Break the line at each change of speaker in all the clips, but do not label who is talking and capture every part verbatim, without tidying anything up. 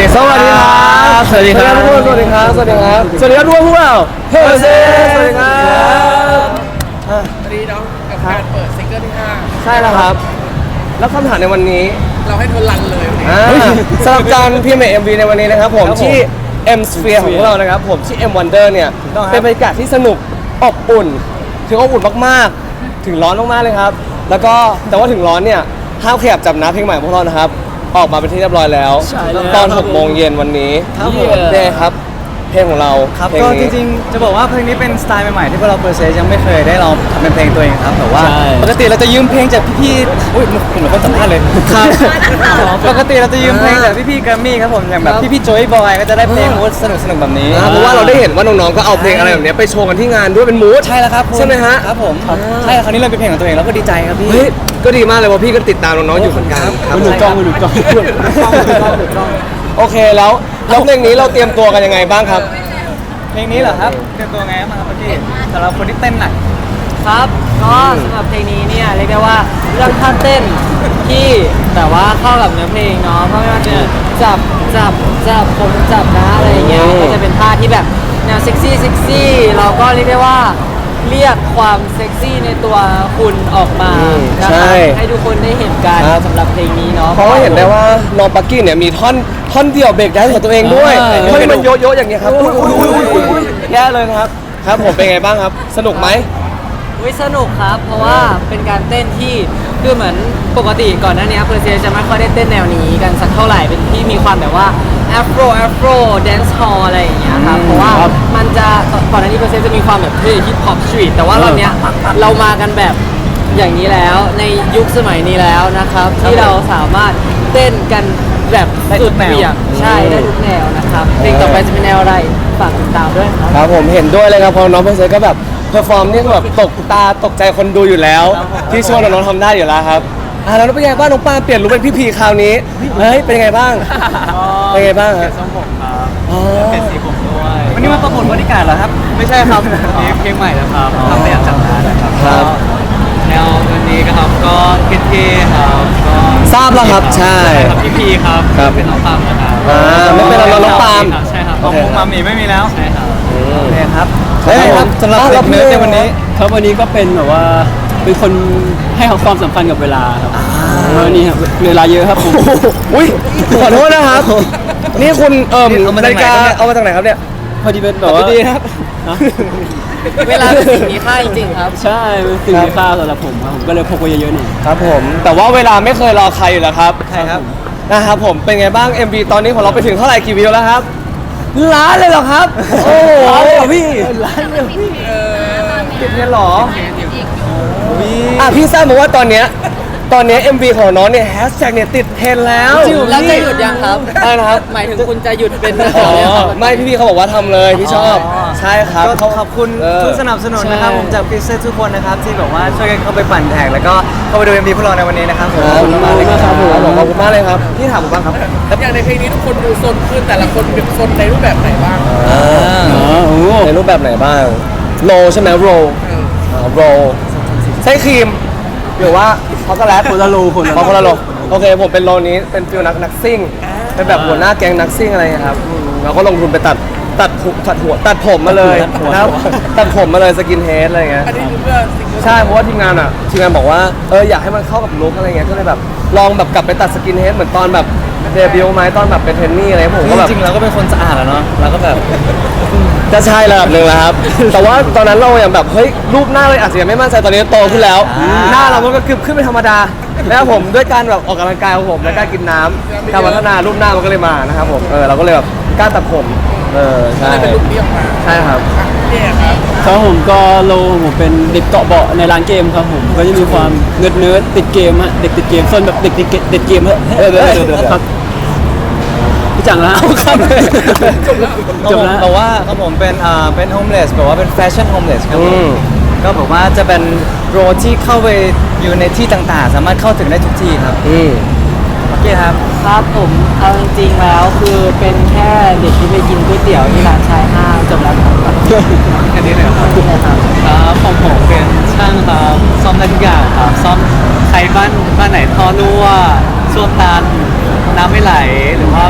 สวัสดีครับสวัสดีครับทุกคนสวัสดีครับสวัสดีครับสวัสดีครับทุกคนพวกเราเฮ้ยสวัสดีครับ
วันนี้น้องกับการเปิดซิงเกิลที่ห้า
ใช่แล้วครับแล้วคำถามในวันนี้
เราให้เธอรันเลยวันนี้
สำหรับการพิมพ์ เอ็ม วี ในวันนี้นะครับผมที่ M Sphere ของพวกเรานะครับผมที่ M Wonder เนี่ยเป็นบรรยากาศที่สนุกอบอุ่นถึงอบอุ่นมากๆถึงร้อนมากๆเลยครับแล้วก็แต่ว่าถึงร้อนเนี่ยห้ามขยับจับน้ำเพลงใหม่ของพวกเรานะครับออกมาเป็นที่เรียบร้อยแล้วตอนหกโมงเย็นวันนี้
ครับผม
เนี่ยครับเพลงของเรา
ครับก็จริงๆจะบอกว่าเพลงนี้เป็นสไตล์ใหม่ๆที่พวกเราเพอร์เซสยังไม่เคยได้ลองทำเป็นเพลงตัวเองครับแต่ว่าปกติเราจะยืมเพลงจากพี่ๆอุ้ยผมเหมือนคนสัมภาษณ์เลยครับปกติเราจะยืมเพลงจากพี่ๆแกรมมี่ครับผมอย่างแบบพี่ๆโจยบอยก็จะได้เพลงมูดสนุกๆแบบนี้
เพราะว่าเราได้เห็นว่าน้องๆก็เอาเพลงอะไรแบบนี้ไปโชว์กันที่งานด้วยเป็นมูด
ใช่แล้วครับ
ใช่ไหมฮะ
ครับผมใช่คราวนี้เราเป็นเพลงของตัวเองแล้วก็ดีใจครับพี่
เฮ้ยก็ดีมากเลยว่าพี่ก็ติดตามน้องๆอยู่เหมือนกันครับ
หนุนกล้องหนุนกล้องหนุนกล้องหนุนกล้องหนุนกล้อง
โอเคแล้วแล้วเพลงนี้เราเตรียมตัวกันยังไงบ้างครับ
เพลงนี้เหรอครับเตรียมตัวไงมาครับพี่สำหรับคนที่เต้นหนัก
ครับก็สำหรับเพลงนี้เนี่ยเรียกได้ว่าเรื่องท่าเต้นที่แต่ว่าเข้ากับเนื้อเพลงเนาะเพราะไม่ว่าจะจับจับจับผมจับนะอะไรอย่างเงี้ยก็จะเป็นท่าที่แบบแนวเซ็กซี่เซ็กซี่เราก็เรียกได้ว่าเรียกความเซ็กซี่ในตัวคุณออกมานะครับให้ทุกคนได้เห็นกันสำหรับเพลงนี้เนาะ
เพราะว่าเห็นได้ว่าน้องปักกี้เนี่ยมีท่อนท่อนเดี่ยวเบรกได้ของตัวเองด้วยท่อนมันโยๆอย่างเงี้ยครับแย่เลยครับครับผมเป็นไงบ้างครับสนุกไหม
วิสนุกครับเพราะว่าเป็นการเต้นที่คือเหมือนปกติก่อนหน้านี้เพอร์เซียจะไม่ค่อยได้เต้นแนวนี้กันสักเท่าไหร่เป็นที่มีความแบบว่าแอฟโรแอฟโรแดนซ์ฮอลอะไรอย่างเงี้ยครับเพราะว่ามันจะก่อนหน้านี้เพอร์เซียจะมีความแบบเท่ฮิปฮอปสตรีทแต่ว่ารอบเนี้ยเรามากันแบบอย่างนี้แล้วในยุคสมัยนี้แล้วนะครับที่เราสามารถเต้นกันแบบสุดเหวี่ยงใช่ได้ทุกแนวนะครับเพลงต่อไปจะเป็นแนวอะไรฝากติดตามด้วยครับ
ครับผมเห็นด้วยเลยครับเพราะน้องเพอร์เซก็แบบเพอร์ฟอร์มนี่แบบตกตาตกใจคนดูอยู่แล้วที่ช่วยน้องๆทำได้อยู่แล้วครับอ่าแล้วเป็นไงบ้างน้องปาเปลี่ยนลุคเป็นพี่พีคราวนี้เฮ้ยเป็นไงบ้างเป็นไงบ้างครับ
ทรงผมครับเปลี่ยนสีผมด้วยวันนี้มาประกวดบริการเหรอครับไม่ใช่ครับนี่เพลงใหม่แล้วครับทำไม่อยากจับนะนะครับ
ครับ
แนววันนี้ก็ครับก็เท่ๆครับก็
ทราบแล้วครับใช่
ครับพี่พีครับเป็นน้องปามนะครับ
อ่าไม่เป็นเราน้องปาม
ใช่ครับน้องมุกมามีไม่มีแล้วใช่ครับโอเคครับ
เฮ้ยครับ
สำหรับเด็กเนื้อในวันนี้
ครับวันนี้ก็เป็นแบบว่าเป็นคนให้ความสำคัญกับเวลาครับวันนี้ครับเวลาเยอะครับผม
อุ้ยขอโทษนะครับนี่คุณเอ่อนาฬิกาเอามาจากไหนครับเนี่ย
พอดีเป็นแบบว่า
ดีครับ
เวลาเป็นสิ่งมีค่าจริงๆครับ
ใช่เป็นสิ่งมีค่าสำหรับผมครับผมก็เลยพกไว้เยอะๆหน่อย
ครับผมแต่ว่าเวลาไม่เคยรอใครอยู่แล้วครับ
ใช่ครับ
นะครับผมเป็นไงบ้าง เอ็ม วี ตอนนี้ของเราไปถึงเท่าไหร่กี่วิวแล้วครับล้านเลยเหรอครับโอ้โหพี่ล้านเลยพี่ติดเงินหรออ่ะพี่ทราบมาว่าตอนเนี้ยตอนนี้ เอ็ม วี ของน้องเนี่ยแฮชแท็กเนี่ยติดเทรนด์แล้ว
แล้วจะหยุดยังครับ
อะไรนะครับ
หมายถึงคุณจะหยุดเป็น
อ๋อไม่พี่ๆเขาบอกว่าทำเลยพี่ชอบใช่ครับ
ก็ขอบคุณทุกสนับสนุนนะครับผมจากพิเศษทุกคนนะครับที่แบบว่าช่วยกันเข้าไปปั่นแท็กแล้วก็เข้าไปดู เอ็ม วี พวกเราในวันนี้นะครับผม
ขอบคุณมากเลยครับผมขอบคุณมากเลยครับพี่ถามผมบ้างครับ
แล้วอย่างในเพลงนี้ทุกคนดูโซนขึ้นแต่ละคนเป็นโซนในรูปแบบไหนบ้าง
ในรูปแบบไหนบ้างโรใช่ไหมโรโรใช้ครีมหรือว่าช็อกโกแลต
คนละโลคนละ
คนละโลโอเคผมเป็นโลนี้เป็นฟิลนักนักซิ่งเป็นแบบหัวหน้าแก๊งนักซิ่งอะไรครับเราก็ลงทุนไปตัดตัดตัดหัวตัดผมมาเลยนะครับตัดผมมาเลยสกินเฮดอะไรเงี้ย
อันนี้คือเพื่อ
ใช่เพราะว่าทีมงานอ่ะทีมงานบอกว่าเอออยากให้มันเข้ากับลุคอะไรเงี้ยก็เลยแบบลองแบบกลับไปตัดสกินเฮดเหมือนตอนแบบเดบิวต์ไหมตอนแบบเป็นเทรนนี่อะไรผมก็แบบ
จริงๆเราก็เป็นคนสะอาดแล้วเนาะเราก็แบบ
จะใช่ระดับหนึ่งแล้วครับแต่ว่าตอนนั้นเราอย่างแบบเฮ้ยรูปหน้าเลยอาจจะยังไม่มั่นใจตอนนี้โตขึ้นแล้วหน้าเรามันก็ขึ้นเป็นธรรมดาแล้วผมด้วยการแบบออกกำลังกายของผมและการกินน้ำการพัฒนารูปหน้ามันก็เลยมานะครับผมเออเราก็เลยแบบกล้าตัดผมเออใช่
เป็นลุคเดียวมา
ใช่ครับ
เนี่ยครับ
ครับผมก็โลผมเป็นเด็กเกาะเบาะในร้านเกมครับผมก็จะมีความเนิร์ดเนิร์ดติดเกมฮะเด็กติดเกมส่วนแบบเด็กติดเกมติดเกมฮะ
เออเดี๋ยวเดี๋ยวเดี๋ยว
ครับพี่จังแล้วครับ
จบแล้วบอกว่าครับผมเป็นอ่าเป็นโฮมเลสบอกว่าเป็นแฟชั่นโฮมเลสครับก็บอกว่าจะเป็นโรที่เข้าไปอยู่ในที่ต่างๆสามารถเข้าถึงได้ทุกที่ครับ
อืม
โอเคครับ
ครับผมเอาจริงๆแล้วคือเป็นแค่เด็กที่ไปกินก๋วยเตี๋ยวที่ร้านชายห้างจบแล้วครับ
แค่นี้เลยครับครับครับของผมเป็นช่างครับซ่อมได้ทุกอย่างครับซ่อมใครบ้านบ้านไหนท่อรั่วส้วมตันน้ำไม่ไหลหรือว่าแบบ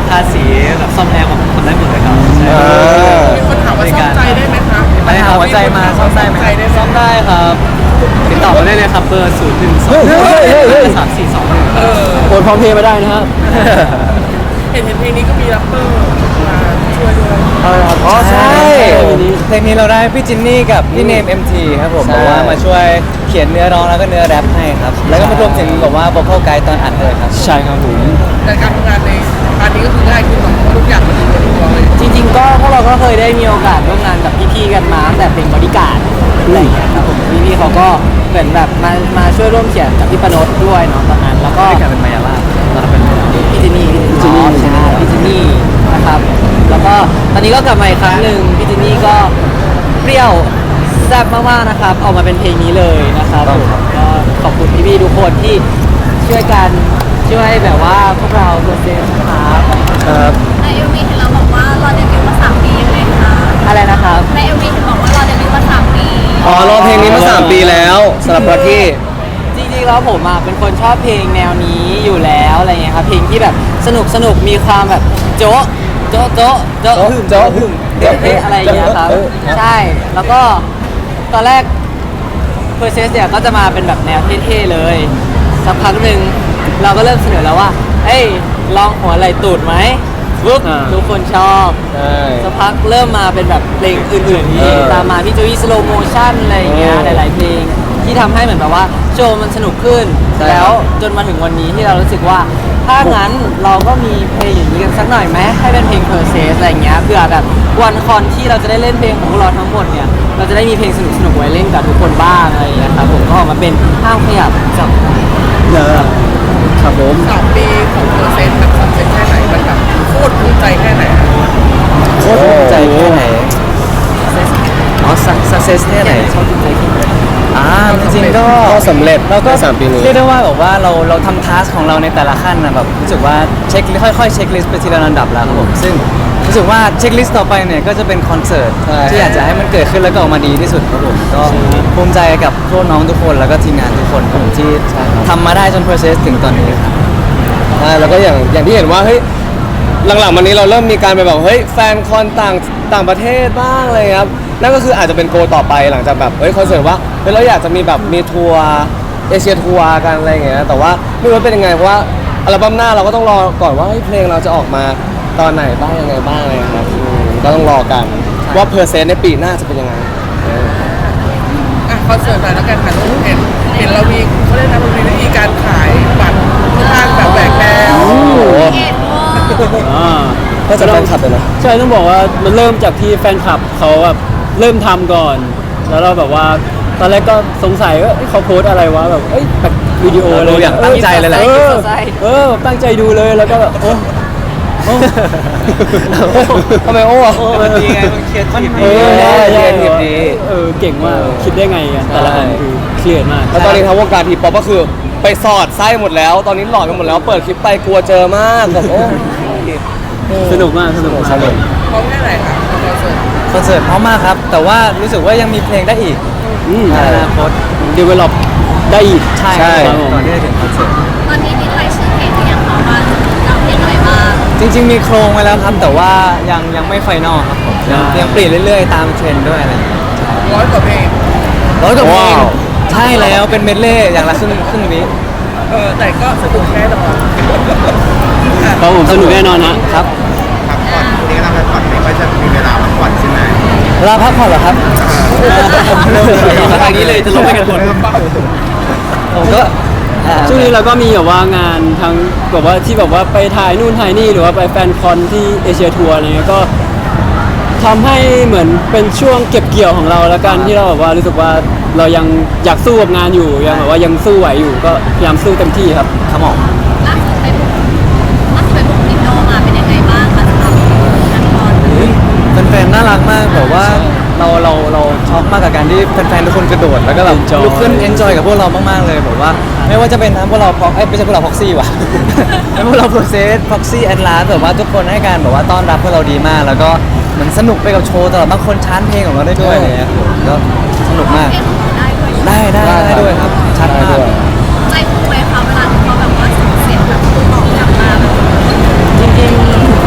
ทาสีแบบซ่อมแอร์ผมทำได้หมดเลยครับใช่
อ่า
มีคนถามว่าซ่อมใจได้ไหมคะ
ไปหาหัวใจมาซ่อมได้ไหม
ใจได้ไหม
ซ่อมได้ครับติดต่อมาได้เลยครับเบอร์ศูนย์หนึ่งสอง
เฮ้ยเฮ้ยเฮ้ยเฮ้ย
สามสี่สองหนึ่ง
เออ
โอนพร้อมเพย์มาได้นะครับ
เห็นเห็นเพลงนี้ก็มีแรปเปอร์มาช่วยด้วย
อ๋อใช่
เพลงนี้เราได้พี่จินนี่กับพี่เนม เอ็ม ที ครับผม
ใช่
บอกว่ามาช่วยเขียนเนื้อร้องแล้วก็เนื้อแรปให้ครับ แล้วก็มารวมถึงแบบว่าโวคอลไกด์ตอนอัดเลยครับ
ใช่ครับผม
แต่การทำงานในพาร์ทนี้ก็คือง่ายขึ้นหน่อยเพราะทุกอย่างมันอยู่ในตัวเลย
จริงๆก็พวกเราก็เคยได้มีโอกาสร่วมงานกับพี่ๆกันมาตั้งแต่เป็นบริการดอะไรอย่างเงี้ยครับผมพี่ๆเขาก็เหมือนแบบมามาช่วยร่วมเขียนกับพี่ปนดด้วยเนาะตอนนั้นแล้วก็
ก็กลายเป็นมายาลาตอนนั้นเป็นมายาลา
พี่จินนี่พี่จินนี่ใช่พี่จินนี่นะครับแล้วก็ตอนนี้ก็กลับมาอีกครั้งหนึ่งพี่จินนี่ก็เปรี้ยวแซ่บมากๆนะครับออกมาเป็นเพลงนี้เลยนะครับผมก็ขอบคุณพี่ๆทุกคนที่ช่วยกันช่วยแบบว่าพวกเราตัวเซนครับ
ครับ
ในเอ็มวีเห็นเราบอกว่ารอเดบิวต์มาสามปียังไงคะ
อะไรนะครับ
ในเอ็มวีเห็นบอกว่ารอเดบิวต์มาสามปี
อ๋อรอเพลงนี้มาสามปีแล้วสำหรับลักกี้
จริงๆแล้วผมอ่ะเป็นคนชอบเพลงแนวนี้อยู่แล้วอะไรเงี้ยครับเพลงที่แบบสนุกสนุกมีความแบบโจ๊ะโจ๊ะโจ๊ะโจ๊ะ
โจ๊ะ
หึ่ม
โจ๊ะ
หึ่มเอ๊ะเอ๊ะอะไรอย่างเงี้ยครับ
เออครับ
ใช่แล้วก็ตอนแรกเพอร์เซสเนี่ยก็จะมาเป็นแบบแนวเท่ๆเลยสักพักหนึ่งเราก็เริ่มเสนอแล้วว่าเอ้ยลองหัวไหล่ตูดไหมปุ๊บ
อ่า
ทุกคนชอบ
ใช่
สักพักเริ่มมาเป็นแบบเพลงอื่นๆที่
เออ
ตามมาพี่โจวี่สโลโมชั่นอะไรอย่างเงี้ย
เออ
หลายๆเพลงที่ทำให้เหมือนแบบว่าโชว์มันสนุกขึ้น
ใช่
แล้วจนมาถึงวันนี้ที่เรารู้สึกว่า ถ้างั้นเราก็มีเพลงอย่างนี้กันสักหน่อยไหมให้เป็นเพลงเพอร์เซสอะไรอย่างเงี้ยเพื่อแบบวันคอนที่เราจะได้เล่นเพลงของพวกเราทั้งหมดเนี่ยเราจะได้มีเพลงสนุกๆไว้เล่นกับทุกคนบ้างอะไรอย่างเงี้ยครับผมก็ออกมาเป็นห้ามขยับจับ
ครับผม
สามปีของเปอร์เซ็นต์แบบคอนเซ็ปต์แค่ไหนมันแบบโคตรภูมิใจแค่ไหน
โคตรภูมิใจแค่ไหนอ๋อสักเซสแค่ไหน
ชอบจริงใจที่
อ่าจริงๆก็
ก็สำเร็จ
เราก็
ในสามปีนี้
เรียกได้ว่าแบบว่าเราเราทำทัสของเราในแต่ละขั้นนะแบบรู้สึกว่าเช็คค่อยๆเช็คลิสต์ไปทีละลำดับแล้วครับผมซึ่งรู้สึกว่าเช็คลิสต์ต่อไปเนี่ยก็จะเป็นคอนเสิร์ต
ใช่
ที่อยากจะให้มันเกิดขึ้นแล้วก็ออกมาดีที่สุดครับผมก็ภูมิใจกับพวกน้องทุกคนแล้วก็ทีมงานทุกคนครับผมที่ทำมาได้จน process ถึงตอนนี้ครับ
ใช่แล้วก็อย่างอย่างที่เห็นว่าเฮ้ยหลังๆมานี้เราเริ่มมีการไปแบบเฮ้ยแฟนคอนต่างต่างประเทศบ้างอะไรครับนั่นก็คืออาจจะเป็นโกลต่อไปหลังจากแบบเฮ้ยคอนเสิร์ตว่าเฮ้ยเราอยากจะมีแบบมีทัวร์เอเชียทัวร์กันอะไรอย่างเงี้ยแต่ว่าไม่รู้ว่าเป็นยังไงเพราะว่าอัลบั้มหน้าเราก็ต้องรอก่อนว่าเฮ้ยเพลงเราจะออกมาตอนไหนบ้างยังไงบ้างอะไรครับอืมก็ต้องรอกันว่าเพอร์เซนต์ในปีหน้าจะเป็นยังไงเออ
อ่ะคอนเสิร์ตหน่อยแล้วกันค่ะน้องเห็นเห็นเรามีเขาเรียกนะมันมีวิธีการขายบัตรค่อนข้างแบบแหวกแนว
โอ้โห
เอ็ดโม
อ่า
ก็จะแฟนคลับเลยนะ
ใช่ต้องบอกว่ามันเริ่มจากที่แฟนคลับเขาแบบเริ่มทำก่อน แล้วเราแบบว่าตอนแรกก็สงสัยว่าเอ้ยเขาโพสต์อะไรวะแบบเอ้ยแบบวิดีโอเลย
ดูอย่างตั้งใจเลยแหละ
เออ
ใช่
เออตั้งใจดูเลยแล้วก็แบบโอ้โอ้
ทำไมโอ้อะ
โอ้มันดีไงมันเครียดทีม
เออ
ใช่
ใช่
เรียนดี
เออเก่งมากคิดได้ไงกันแต่ละคนคือเครียดมาก
แล้วตอนนี้ทางวงการทีป๊อปก็คือไปสอดไส้หมดแล้ว ตอนนี้หลอดกันหมดแล้วเปิดคลิปไปกลัวเจอมากแบบโอ้
สนุกมากสนุกมาก
สนุก
พร้อมแค่ไหนคะคอนเสิร์ต
คอนเสิร์ตพร้อมมากครับ แต่ว่ารู้สึกว่ายังมีเพลงได้อีก
อืม
ในอนาคต
ดีเวลลอปได้อีก
ใช่
ใช่
ครับผมก่อนที่จะถึงคอนเสิร์ต
ตอนนี้มีใครชื่อเพลงหรือยังคะว่าเราเพลงอะไรบ้าง
จริงๆมีโครงไว้แล้วครับ แต่ว่ายังยังไม่ไฟนอลครับผมยังยังเปลี่ยนเรื่อยๆ ตามเทรนด์ด้วยอะไรอย่างเงี้ย
ร้อยกว่าเพลง
ร้อยกว่าเพลง
ว้าว
ใช่แล้วเป็นเมดเล่อย่างละครึ่งครึ่งวิ
เออแต่ก็สนุกแน่นอนอ่ะ
ครับผมสนุกแน่นอนฮะ
ครับ
พักผ่อนพรุ่งนี้ก็ทำงานผ่อนไม่ค่อยจะมีเวลาพักผ่อนใช่ไหม
เวลาพักผ่อนเหรอครับ
ทางนี้เลยจะลงไปกันหมด
เริ่มป่ะ
ผมก็อ่า
ช่วงนี้เราก็มีแบบว่างานทั้งแบบว่าที่แบบว่าไปถ่ายนู่นถ่ายนี่หรือว่าไปแฟนคอนที่เอเชียทัวร์อะไรเงี้ยก็ทำให้เหมือนเป็นช่วงเก็บเกี่ยวของเราแล้วกันที่เราแบบว่ารู้สึกว่าเรายังอยากสู้กับงานอยู่ยังแบบว่ายังสู้ไหวอยู่ก็พยายามสู้เต็มที่ครับ
ครับผม
ล่าสุดไปบุกล่าสุดไปบุกนิโนมาเป็นยังไงบ้างคะสำหรับงานคอน
แฟนๆน่ารักมากแบบว่าเราเราเราช็อกมากกับการที่แฟนๆทุกคนกระโดดแล้วก็แบบ
Enjoy
ลุกขึ้นเอนจอยกับพวกเรามากๆเลยแบบว่าไม่ว่าจะเป็นทั้งพวกเราพ็อกเอ้ยไม่ใช่พวกเราพ็อกซี่ว่ะ เป็นพวกเราโปรเซสพ็อกซี่แอนลาแบบว่าทุกคนให้การแบบว่าต้อนรับพวกเราดีมาก แล้วก็เหมือนสนุกไปกับโชว์ตลอดบางคนชานเพลงของเราได้ด้วยอะไรเลยก็สนุกมาก
เพลงของเราได้ด้วย
ได้ได้ได้ด้วยครับชัดมาก
ใจฟูไหมคะเวลาที่เขาแบบว่าส่งเสียงแบบตอบกลับมาแบบ
จริงๆ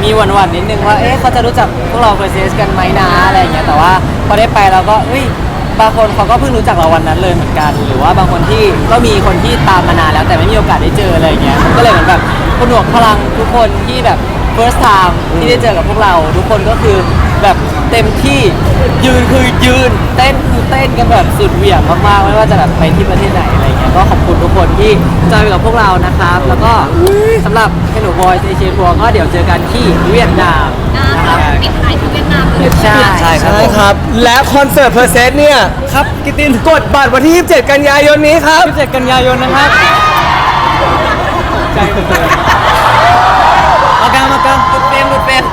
มีหวั่นๆนิดนึงว่าเอ๊ะเขาจะรู้จักพวกเราเพอร์เซสกันไหมนะอะไรอย่างเงี้ยแต่ว่าพอได้ไปเราก็เอ้ยบางคนเขาก็เพิ่งรู้จักเราวันนั้นเลยเหมือนกัน หรือว่าบางคนที่ก็มีคนที่ตามมานานแล้วแต่ไม่มีโอกาสได้เจออะไรอย่างเงี้ยมันก็เลยเหมือนแบบผนวกพลังทุกคนที่แบบ first time ที่ได้เจอกับพวกเรา ทุกคนก็คือแบบเต็มที่ยืนคือยืนเต้นคือเต้นกันแบบสุดเหวี่ยงมากๆไม่ว่าจะแบบไปที่ประเทศไหนอะไรเงี้ยก็ขอบคุณทุกคนที่จอยไปกับพวกเรานะครับ แล้วก็สำหรับเฮนูบอยเอเชียทัวร์ก็เดี๋ยวเจอกันที่เวียดนาม
อ่า
นะครับ
ปิดท้ายที่เวียดนามเลย
ใช่ใช่ครับ
ใช่ครับ และคอนเสิร์ตเพอร์เซสเนี่ย
ครับกิตติน
กดบัตรวันที่ยี่สิบเจ็ดกันยายนนี้ครับ
ยี่สิบเจ็ดกันยายนนะครับใจเปิดมากันมากัน
หลุดเป็นหลุดเป็น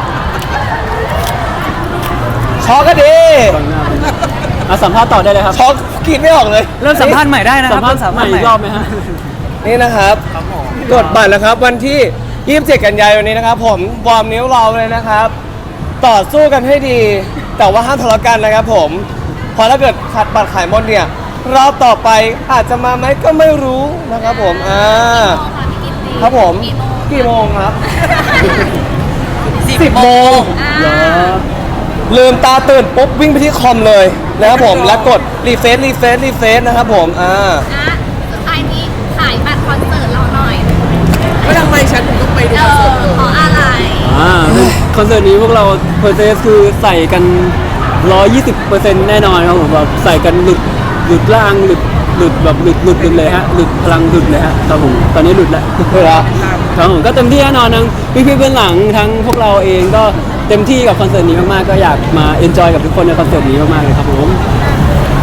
ช็อกก็ดี
มาสัมภาษณ์ต่อได้เลยครับ
ช็อกคิดไม่ออกเลย
เริ่มสัมภาษณ์ใหม่ได้นะค
สั
รั
ม
บ
ภาษณ์
เริ่มสัม
ให
ภา
ม่
ษณ์ให
อี
ม่
กรอบไหมฮะ
นี่นะครับกดบัตรนะครับวันที่ยี่สิบเจ็ดกันยายนนี้นะครับ ผมวอร์มนิ้วเราเลยนะครับ ต่อสู้กันให้ดี แต่ว่าห้ามทะเลาะกันนะครับผมเพราะถ้าเกิดขาดบัตรขายหมดเนี่ยรอบต่อไปอาจจะมาไหมก็ไม่รู้นะครับผมอ่าครับผมกี่โมงครับ สิบโมง
อ่า
ลืมตาตื่นปุ๊บวิ่งไปที่คอมเลยนะครับผมแล้วกดรีเฟซรีเฟซรีเฟซนะครับผมอ่า
อ่ะสุดท้ายนี้ขายบัตรคอนเสิร์ตเราหน่อย
ก็ทำไมฉันถึงต้องไปดู
เอ
คอนเสิ
อ
ร์ตเลย
ขออะไร
อ่าคอนเสิร์ตนี้พวกเราเพอร์เซสคือใส่กัน หนึ่งร้อยยี่สิบเปอร์เซ็นต์ แน่นอนครับผมแบบใส่กันหลุดหลุดล่างหลุดหลุดแบบหลุดหลุดหลุดเลยฮะหลุดพลังหลุดเลยฮะครับผมตอนนี้หลุดแล้วครับครับผมก็เต็มที่แน่นอนทั้งพี่ๆเบื้องหลังทั้งพวกเราเองก็เต็มที่กับคอนเสิร์ตนี้มากๆก็อยากมาเอนจอยกับทุกคนในคอนเสิร์ตนี้มากๆเลยครับผม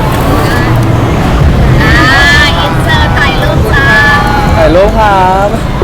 อ่าอินเสิร์ตถ่ายรูปจ้า
ถ่ายรูปครับ